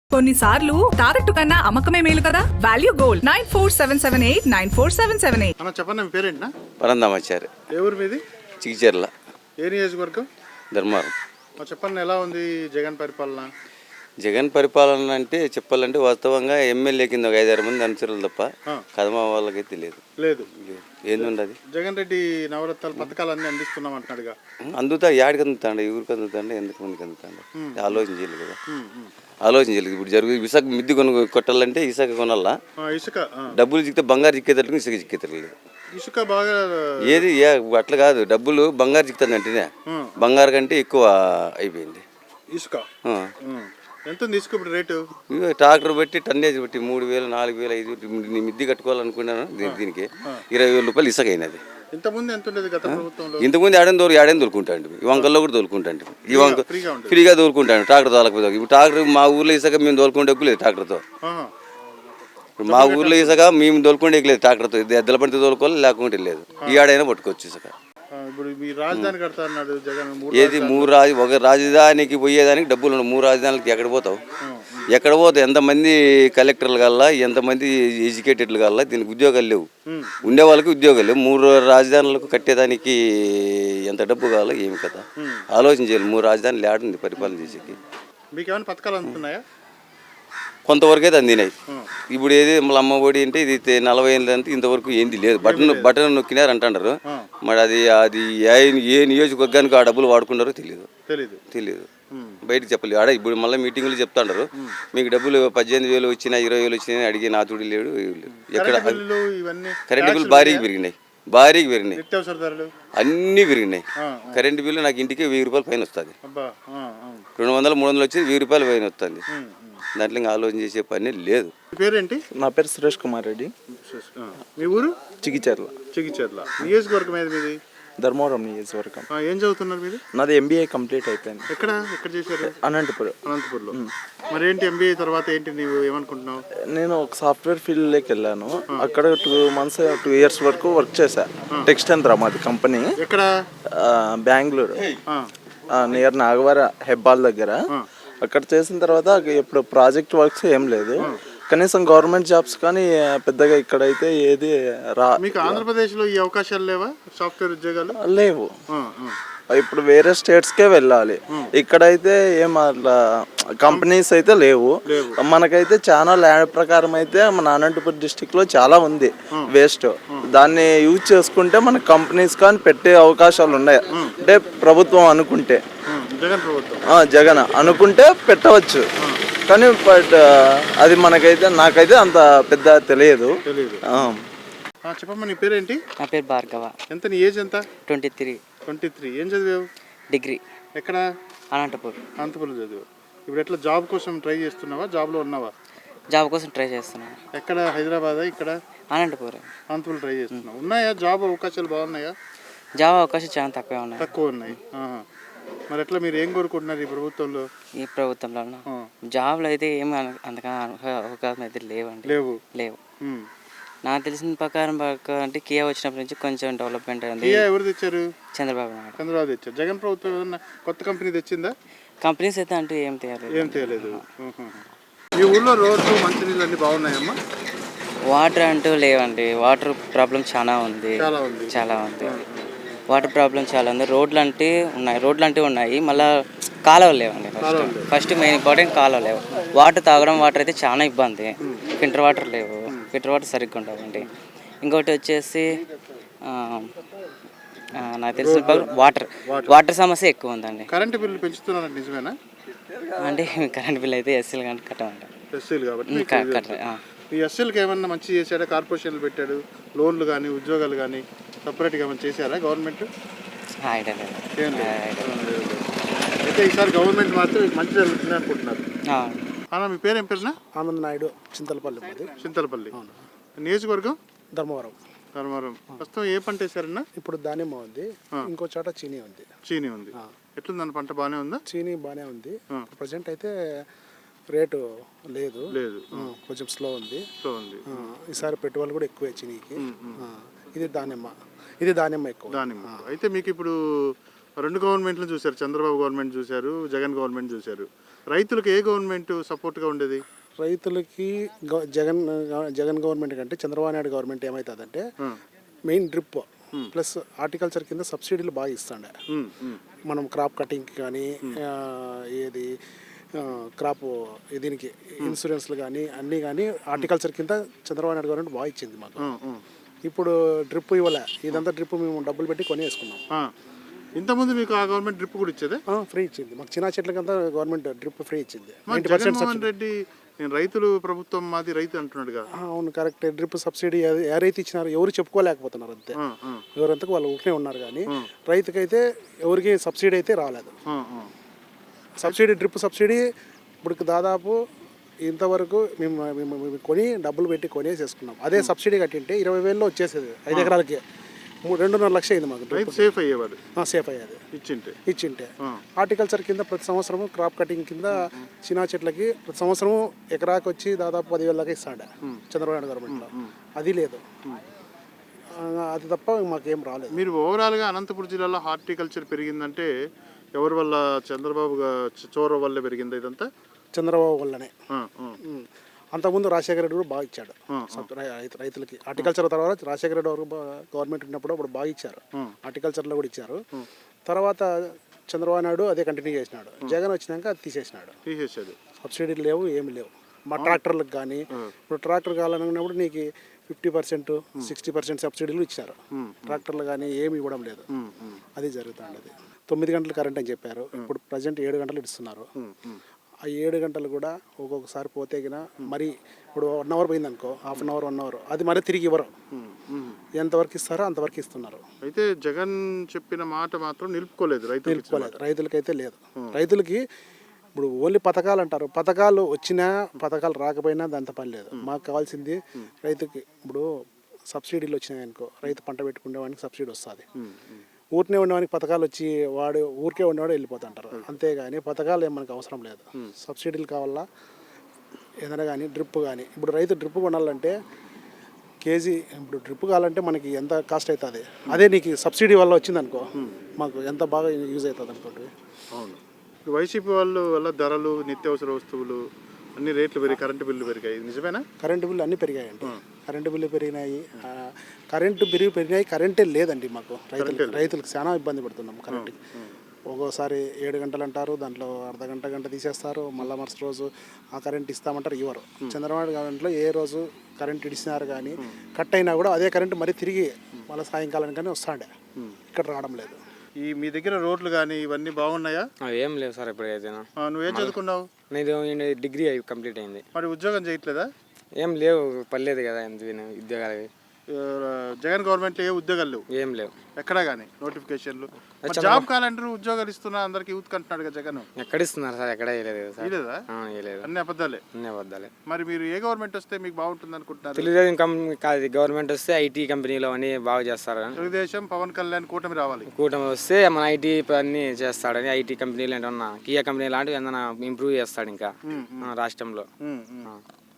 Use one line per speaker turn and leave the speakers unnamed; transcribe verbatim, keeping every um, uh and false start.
కొన్నిసార్లు తాకట్టు కన్నా అమ్మకమే మేలు కదా. Value gold nine four seven seven eight nine four seven seven eight.
అన్న చెప్పండి, మీ పేరేంటినా?
పరందామాచారి.
ఏ ఊరు మీది?
చిగిచెర్ల.
ఏ నియోజకవర్గం?
ధర్మారం.
చెప్పండి, ఎలా ఉంది జగన్ పరిపాలన?
జగన్ పరిపాలన అంటే చెప్పాలంటే వాస్తవంగా ఎమ్మెల్యే కింద ఒక ఐదారు మంది అనుచరులు తప్ప కదమా వాళ్ళకి తెలియదు.
లేదు
ఏంది అది.
జగన్ రెడ్డి నవరత్నాలు పథకాలు అన్ని అందిస్తున్నాం అంటున్నాడుగా.
అందుతా యాడికి అందుతాండ, ఊరికి అందుతాండ, ఎందుకు మందికి అందుతాండ ఆలోచన చేయలేదు కదా. ఆలోచన చేయలేదు. ఇప్పుడు జరుగు ఇసుక మిద్ది కొను కొట్టాలంటే ఇసుక కొనాలా,
ఇసుక
డబ్బులు చిక్కితే బంగారు చిక్కేటట్టు ఇసుక చిక్కేతలేదు.
ఇసుక బాగా
ఏది అట్లా కాదు, డబ్బులు బంగారు చిక్కుతుంది అంటేనే బంగారు కంటే ఎక్కువ అయిపోయింది
ఇసుక. ఎంత ఉంది ఇసుక ఇప్పుడు రేటు?
ట్రాక్టర్ పెట్టి టన్నేజ్ పెట్టి మూడు వేలు నాలుగు వేలు ఐదు మిద్ది కట్టుకోవాలనుకున్నాను. దీనికి ఇరవై వేల రూపాయలు ఇసుక అయినది.
ఇంతకుముందు ఎంత ఉండేది గత ప్రభుత్వంలో?
ఇంతకుముందు ఏడని దూరం ఏడని దొరుకుంటాండి, ఈ వంకల్లో కూడా దొరుకుంటాండి. ఈ వంక ఫ్రీగా దొరుకుంటాను ట్రాక్టర్ తోలకపోతే. ఇప్పుడు ట్రాక్టర్ మా ఊర్లో ఇసుక మేము దొరుకుంటే ఎక్కులేదు ట్రాక్టర్తో. మా ఊర్లో ఇసుక మేము దొరుకుంటే ఎక్కులేదు ట్రాక్టర్తో. ఎద్దల పడితే దొరుకోవాలి, లేకుంటే లేదు. ఈ ఆడైనా పట్టుకోవచ్చు ఇసుక.
రాజధాని కడతా అన్నాడు జగన్.
ఏది మూడు రాజు ఒక రాజధానికి పోయేదానికి డబ్బులు, మూడు రాజధానులకి ఎక్కడ పోతావు? ఎక్కడ పోతావు? ఎంతమంది కలెక్టర్లు కల్లా, ఎంతమంది ఎడ్యుకేటెడ్లు కల్లా దీనికి ఉద్యోగాలు లేవు. ఉండే వాళ్ళకి ఉద్యోగాలు లేవు. మూడు రాజధానులకు కట్టేదానికి ఎంత డబ్బు కావాలో ఏమి కదా ఆలోచన చేయాలి. మూడు రాజధానులు ఆడుంది పరిపాలన చేసేకి.
మీకు ఏమైనా పథకాలు అందుతున్నాయా?
కొంతవరకు అయితే అందినాయి. ఇప్పుడు ఏది మళ్ళీ అమ్మ ఒడి అంటే ఇది నలభై ఏళ్ళు అంటే ఇంతవరకు ఏంది లేదు. బటన్ బటన్ నొక్కినారు అంటారు. మరి అది అది ఏ నియోజకవర్గానికి ఆ డబ్బులు వాడుకున్నారో తెలియదు తెలియదు బయటకు చెప్పలేదు. ఆడ ఇప్పుడు మళ్ళీ మీటింగ్లు చెప్తాండారు, మీకు డబ్బులు పద్దెనిమిది వేలు వచ్చినా ఇరవై వేలు వచ్చినాయి అడిగే నాతుడి లేడు. ఎక్కడ కరెంటు బిల్లు భారీగా పెరిగినాయి, భారీగా పెరిగినాయి, అన్నీ పెరిగినాయి. కరెంటు బిల్లు నాకు ఇంటికి వెయ్యి రూపాయలు పైన వస్తుంది. రెండు వందలు మూడు వందలు వచ్చి వెయ్యి రూపాయలు పైన వస్తుంది. దాంట్లో ఇంకా ఆలోచన చేసే పని లేదు.
పేరేంటి?
నా పేరు సురేష్ కుమార్ రెడ్డి.
మీ ఊరు?
చిగిచెర్ల.
చిగిచెర్ల నియోజకవర్గం ఏది మీది?
ధర్మవరం నియోజకవర్గం.
ఏం చదువుతున్నారు మీరు?
నాది ఎంబీఏ కంప్లీట్ అయిపోయింది.
ఎక్కడ ఎక్కడ చేశారు?
అనంతపురం.
అనంతపురంలో. మరి ఏంటి ఎంబీఏ తర్వాత ఏంటి నువ్వు ఏమనుకుంటున్నావు?
నేను ఒక సాఫ్ట్వేర్ ఫీల్డ్లోకి వెళ్ళాను. అక్కడ టూ మంత్స్ టూ ఇయర్స్ వరకు వర్క్ చేశా. టెక్స్టైల్ మాది కంపెనీ.
ఎక్కడ?
బెంగళూరు నియర్ నాగవర హెబ్బాల్ దగ్గర. అక్కడ చేసిన తర్వాత ఇప్పుడు ప్రాజెక్ట్ వర్క్స్ ఏం లేదు. కనీసం గవర్నమెంట్ జాబ్స్ కానీ పెద్దగా ఇక్కడైతే ఏది రా.
మీకు ఆంధ్రప్రదేశ్లో ఈ అవకాశాలు లేవా సాఫ్ట్వేర్ ఉద్యోగాలు?
లేవు. ఇప్పుడు వేరే స్టేట్స్కే వెళ్ళాలి. ఇక్కడైతే ఏం అట్లా కంపెనీస్ అయితే లేవు. మనకైతే చాలా ల్యాండ్ ప్రకారం అయితే మన అనంతపురం డిస్టిక్ లో చాలా ఉంది వేస్ట్. దాన్ని యూజ్ చేసుకుంటే మన కంపెనీస్ కానీ పెట్టే అవకాశాలు ఉన్నాయి. అంటే ప్రభుత్వం అనుకుంటే,
జగన్ ప్రభుత్వం
జగన్ అనుకుంటే పెట్టవచ్చు. కానీ బట్ అది మనకైతే నాకైతే అంత పెద్ద తెలియదు.
చెప్పమ్మా, నీ పేరేంటి?
నా పేరు భార్గవ.
ఎంత నీ ఏజ్ ఎంత?
Twenty three.
ట్వంటీ త్రీ ఏం చదివావు?
డిగ్రీ.
ఎక్కడ?
అనంతపురం.
అనంతపురం చదివావు. ఇప్పుడు ఎట్లా జాబ్ కోసం ట్రై చేస్తున్నావా? జాబ్లో ఉన్నావా?
జాబ్ కోసం ట్రై చేస్తున్నాను.
ఎక్కడ? హైదరాబాద్? ఇక్కడ
అనంతపురం.
అనంతపురం ట్రై చేస్తున్నావు. ఉన్నాయా జాబ్ అవకాశాలు? బాగున్నాయా?
జాబ్ అవకాశాలు చాలా తక్కువే ఉన్నాయి.
తక్కువ ఉన్నాయి. మరి ఎట్లా మీరు ఏం కోరుకుంటున్నారు ఈ ప్రభుత్వంలో?
ఈ ప్రభుత్వంలో జాబ్లు అయితే ఏమి అంతగా అవకాశం అయితే లేవండి.
లేవు
లేవు నాకు తెలిసిన ప్రకారం అంటే కియా వచ్చినప్పటి నుంచి కొంచెం డెవలప్మెంట్ అయింది.
కియా ఎవరు తెచ్చారు?
చంద్రబాబు నాయుడు.
చంద్రబాబు తెచ్చారు. జగన్ ప్రభుత్వం ఏదన్నా కొత్త కంపెనీ తెచ్చిందా?
కంపెనీస్ అయితే అంటూ ఏం తేలేదు.
ఏం తేలేదు. మీ ఊళ్ళో రోడ్లు మంచినీళ్ళు అన్ని బాగున్నాయమ్మా?
వాటర్ అంటూ లేవండి. వాటర్ ప్రాబ్లం చాలా ఉంది.
చాలా ఉంది
చాలా ఉంది వాటర్ ప్రాబ్లం చాలా ఉంది. రోడ్లు అంటే ఉన్నాయి, రోడ్లు అంటే ఉన్నాయి, మళ్ళీ కాలువలు లేవండి. ఫస్ట్ ఫస్ట్ మెయిన్ ఇంపార్టెంట్ కాలువ లేవు. వాటర్ తాగడం వాటర్ అయితే చాలా ఇబ్బంది. ఫిల్టర్ వాటర్ లేవు, ఫిల్టర్ వాటర్ సరిగ్గా ఉండవండి. ఇంకోటి వచ్చేసి నాకు తెలిసిన వాటర్ వాటర్ సమస్య ఎక్కువ ఉందండి.
కరెంటు బిల్లు పెంచుతున్నారండి, నిజమేనా?
అంటే కరెంట్ బిల్ అయితే ఎస్సీలు కానీ కట్టమండి.
ఎస్సీలు కాబట్టి కట్టారు. ఈ ఎస్సీలకు ఏమన్నా మంచి చేశాడా? కార్పొరేషన్లు పెట్టాడు, లోన్లు కానీ ఉద్యోగాలు కానీ సపరేట్గా ఏమైనా చేశారా గవర్నమెంట్? ఏం లేదు. అయితే ఈసారి గవర్నమెంట్ మాత్రం మంచి జరుగుతుంది అనుకుంటున్నారు. అన్న, మీ పేరు ఏం పేరునా?
ఆనంద్ నాయుడు. చింతలపల్లి.
చింతలపల్లి. నియోజకవర్గం?
ధర్మవరం.
ధర్మవరం. ప్రస్తుతం ఏ పంట వేసారన్నా?
ఇప్పుడు దానిమ్మ ఉంది, ఇంకో చోట చీనీ ఉంది.
చీనీ ఉంది. ఎట్లుందన్న పంట? బాగానే ఉందా?
చీనీ బాగానే ఉంది. ప్రజెంట్ అయితే రేటు లేదు
లేదు
కొంచెం స్లో ఉంది.
స్లో ఉంది.
ఈసారి పెట్టుబడులు కూడా ఎక్కువే చీనీకి. ఇది దానిమ్మ. ఇది దానిమ్మ ఎక్కువ.
దానిమ్మ. అయితే మీకు ఇప్పుడు రెండు గవర్నమెంట్లు చూశారు, చంద్రబాబు గవర్నమెంట్ చూశారు, జగన్ గవర్నమెంట్ చూశారు. రైతులకు ఏ గవర్నమెంట్ సపోర్ట్గా ఉండేది?
రైతులకి గ- జగన్ జగన్ గవర్నమెంట్ కంటే చంద్రబాబు నాయుడు గవర్నమెంట్ ఏమవుతుందంటే మెయిన్ డ్రిప్ ప్లస్ హార్టికల్చర్ కింద సబ్సిడీలు బాగా ఇస్తాండే. మనం క్రాప్ కటింగ్కి కానీ ఆ, ఏది ఆ, క్రాప్ దీనికి ఇన్సూరెన్స్లు కానీ అన్నీ కానీ హార్టికల్చర్ కింద చంద్రబాబు నాయుడు గవర్నమెంట్ బాగా ఇచ్చింది మాకు. ఇప్పుడు డ్రిప్ ఇవ్వలే, ఇదంతా డ్రిప్ మేము డబ్బులు పెట్టి కొనేసుకున్నాం.
ఇంతకుముందు మీకు ఆ గవర్నమెంట్ డ్రిప్ కూడా ఇచ్చేదే?
ఫ్రీ ఇచ్చింది మాకు, చిన్న చెట్లకంతా గవర్నమెంట్ డ్రిప్ ఫ్రీ ఇచ్చింది.
మరి జగన్మోహన్ రెడ్డి నేను రైతులు ప్రభుత్వం మాది రైతు అంటున్నాడుగా.
ఆ, అవును కరెక్ట్. డ్రిప్ సబ్సిడీ అది ఏ రైతు ఇచ్చినారు ఎవరు చెప్పుకోలేకపోతున్నారు అంతే. ఎవరంతకు వాళ్ళు ఊరికే ఉన్నారు కానీ రైతుకైతే ఎవరికి సబ్సిడీ అయితే రాలేదు. సబ్సిడీ డ్రిప్ సబ్సిడీ ఇప్పుడు దాదాపు ఇంతవరకు మేము మేము మేము కొని డబ్బులు పెట్టి కొనేసేసుకున్నాం. అదే సబ్సిడీ కట్టింటే ఇరవై వేలలో వచ్చేసేది ఐదు ఎకరాలకి. మూడు రెండున్నర లక్ష అయింది మాకు.
రైతు సేఫ్ అయ్యేవాడు,
సేఫ్ అయ్యేది
ఇచ్చింటే
ఇచ్చింటే. హార్టికల్చర్ కింద ప్రతి సంవత్సరము క్రాప్ కటింగ్ కింద చిన్న చెట్లకి ప్రతి సంవత్సరం ఎకరాకి వచ్చి దాదాపు పదివేల దాకా ఇస్తాడు చంద్రబాబు నాయుడు గవర్నమెంట్లో. అది లేదు, అది తప్ప మాకేం రాలేదు.
మీరు ఓవరాల్గా అనంతపురం జిల్లాలో హార్టికల్చర్ పెరిగిందంటే ఎవరి వల్ల? చంద్రబాబు చోర వల్ల పెరిగింది ఇదంతా?
చంద్రబాబు వల్లనే. అంతకుముందు రాజశేఖర రెడ్డి కూడా బాగా ఇచ్చాడు రైతు రైతులకి. హార్టికల్చర్ తర్వాత రాజశేఖర రెడ్డి వరకు గవర్నమెంట్ ఉన్నప్పుడు అప్పుడు బాగా ఇచ్చారు, హార్టికల్చర్లో కూడా ఇచ్చారు. తర్వాత చంద్రబాబు నాయుడు అదే కంటిన్యూ చేసినాడు. జగన్ వచ్చినాక అది తీసేసినాడు,
తీసేసాడు.
సబ్సిడీలు లేవు, ఏమి లేవు. మా ట్రాక్టర్లకు కానీ ఇప్పుడు ట్రాక్టర్ కావాలనుకున్నప్పుడు నీకు ఫిఫ్టీ పర్సెంట్ సిక్స్టీ పర్సెంట్ సబ్సిడీలు ఇచ్చారు. ట్రాక్టర్లు కానీ ఏమి ఇవ్వడం లేదు. అది జరుగుతుంది. తొమ్మిది గంటలు కరెంట్ అని చెప్పారు, ఇప్పుడు ప్రజెంట్ ఏడు గంటలు ఇస్తున్నారు. ఆ ఏడు గంటలు కూడా ఒక్కొక్కసారి పోతే గిన మరి ఇప్పుడు వన్ అవర్ పోయింది అనుకో, half an hour one hour అది మరి తిరిగి ఇవ్వరు. ఎంతవరకు ఇస్తారో అంతవరకు ఇస్తున్నారు.
అయితే జగన్ చెప్పిన మాట మాత్రం నిలుపుకోలేదు, రైతు
నిలుపుకోలేదు. రైతులకైతే లేదు. రైతులకి ఇప్పుడు ఓన్లీ పథకాలు అంటారు, పథకాలు వచ్చినా పథకాలు రాకపోయినా దాంతో పని లేదు. మాకు కావాల్సింది రైతుకి ఇప్పుడు సబ్సిడీలు వచ్చినాయి అనుకో, రైతు పంట పెట్టుకునేవాడికి సబ్సిడీ వస్తుంది. ఊరినే ఉండేవానికి పథకాలు వచ్చి వాడు ఊరికే ఉండేవాడు వెళ్ళిపోతుంటారు. అంతేగాని పథకాలు ఏం మనకు అవసరం లేదు. సబ్సిడీలు కావాలా ఏదైనా కానీ డ్రిప్ కానీ. ఇప్పుడు రైతు డ్రిప్ కొనాలంటే కేజీ ఇప్పుడు డ్రిప్ కావాలంటే మనకి ఎంత కాస్ట్ అవుతుంది, అదే నీకు సబ్సిడీ వల్ల వచ్చిందనుకో మాకు ఎంత బాగా యూజ్ అవుతుంది అనుకోండి.
అవును, వైసీపీ వాళ్ళు వల్ల ధరలు నిత్యావసర వస్తువులు అన్ని రేట్లు పెరిగి కరెంటు బిల్లు పెరిగాయి, నిజమేనా?
కరెంటు బిల్లు అన్నీ పెరిగాయండి. కరెంటు బిల్లు పెరిగినాయి, కరెంటు బిల్లు పెరిగినాయి, కరెంటే లేదండి మాకు. రైతులు రైతులకు చాలా ఇబ్బంది పడుతున్నాం కరెంటుకి. ఒక్కోసారి ఏడు గంటలు అంటారు, దాంట్లో అర్ధ గంట గంట తీసేస్తారు, మళ్ళీ మరుసటి రోజు ఆ కరెంట్ ఇస్తామంటారు, ఇవ్వరు. చంద్రబాబు గవర్నమెంట్లో ఏ రోజు కరెంట్ ఇడిచినారు కానీ కట్ అయినా కూడా అదే కరెంట్ మరీ తిరిగి మళ్ళీ సాయంకాలం కానీ వస్తాండే, ఇక్కడ రావడం లేదు.
ఈ మీ దగ్గర రోడ్లు కానీ ఇవన్నీ బాగున్నాయా?
ఏం లేవు సార్ ఇప్పుడు అయితే.
నువ్వేం చదువుకున్నావు?
నేను డిగ్రీ అయి కంప్లీట్ అయింది.
మరి ఉద్యోగం చేయట్లేదా?
ఏం లేవు, పర్లేదు కదా ఎంత ఉద్యోగాలు.
జగన్ గవర్నమెంట్లో ఏ ఉద్యోగాలు లేవు?
ఏం లేవు
ఎక్కడా కానీ నోటిఫికేషన్లు. జాబ్ క్యాలెండర్ ఉద్యోగాలు ఇస్తున్నా అందరికి యూత్ కంటున్నాడు కదా జగన్.
ఎక్కడ ఇస్తున్నారు సార్? ఎక్కడ వేయలేదు సార్.
ఇలేదా?
వేయలేదు,
అన్ని అబద్ధాలే.
అన్ని అబద్ధాలే.
మరి మీరు ఏ గవర్నమెంట్ వస్తే మీకు బాగుంటుంది అనుకుంటున్నారు?
తెలుగుదేశం కంపెనీ కాదు, గవర్నమెంట్ వస్తే ఐటీ కంపెనీలో అన్ని బాగా చేస్తారు.
తెలుగుదేశం పవన్ కళ్యాణ్ కూటమి రావాలి.
కూటమి వస్తే మన ఐటీ అన్ని చేస్తాడని, ఐటీ కంపెనీలు ఏంటన్నా కియా కంపెనీ లాంటివి ఏదైనా ఇంప్రూవ్ చేస్తాడు ఇంకా రాష్ట్రంలో.